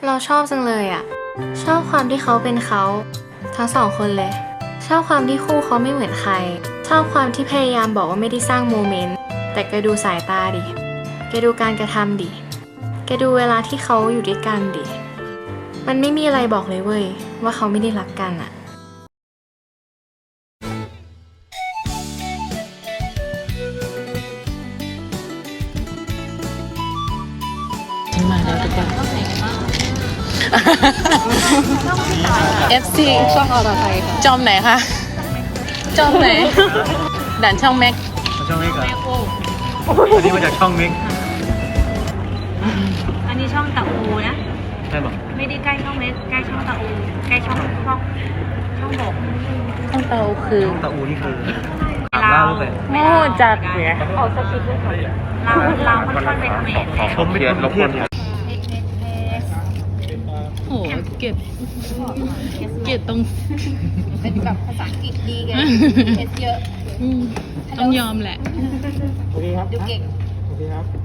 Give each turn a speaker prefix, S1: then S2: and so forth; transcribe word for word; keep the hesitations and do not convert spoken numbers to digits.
S1: เราชอบจังเลยอ่ะชอบความที่เขาเป็นเขาทั้งสองคนเลยชอบความที่คู่เขาไม่เหมือนใครชอบความที่พยายามบอกว่าไม่ได้สร้างโมเมนต์แต่แกดูสายตาดิแกดูการกระทำดิแกดูเวลาที่เขาอยู่ด้วยกันดิมันไม่มีอะไรบอกเลยเว้ยว่าเขาไม่ได้รักกันอ่ะ
S2: ฉันมาแล้วทุกคน เอฟ ซี
S3: ช่องอรไทยค่ะ
S2: จอมไหนคะ จอมไหน ด่านช่องแม็ก
S4: ช่องเมกเหรออันนี้มาจากช่องเมก
S5: อันนี้ช่องตะอูนะ
S4: ใช่ป่ะ
S5: ไม่ได้ใกล้ช่องเม็กใกล้ช่องตะอูใกล้ช่องช่องช่องบก
S2: ช่องเตาคือ
S4: ช่องตะอูนี่คือ
S5: ลา
S4: ล่าว เลย
S2: โม่จัดเนี่ย
S5: เอาสกิปด้วยค่ะลาวลาวค่อนข้างไปเขมรเลย
S4: ผมไม่ได้รบกวน
S2: โอ้เก็บเก็บตรง
S3: เป็นแบบภาษาอังกฤษดีไงเอสเยอะ
S2: อืมต้องยอมแหละ
S3: ดูเก่ง
S4: โอเคครับ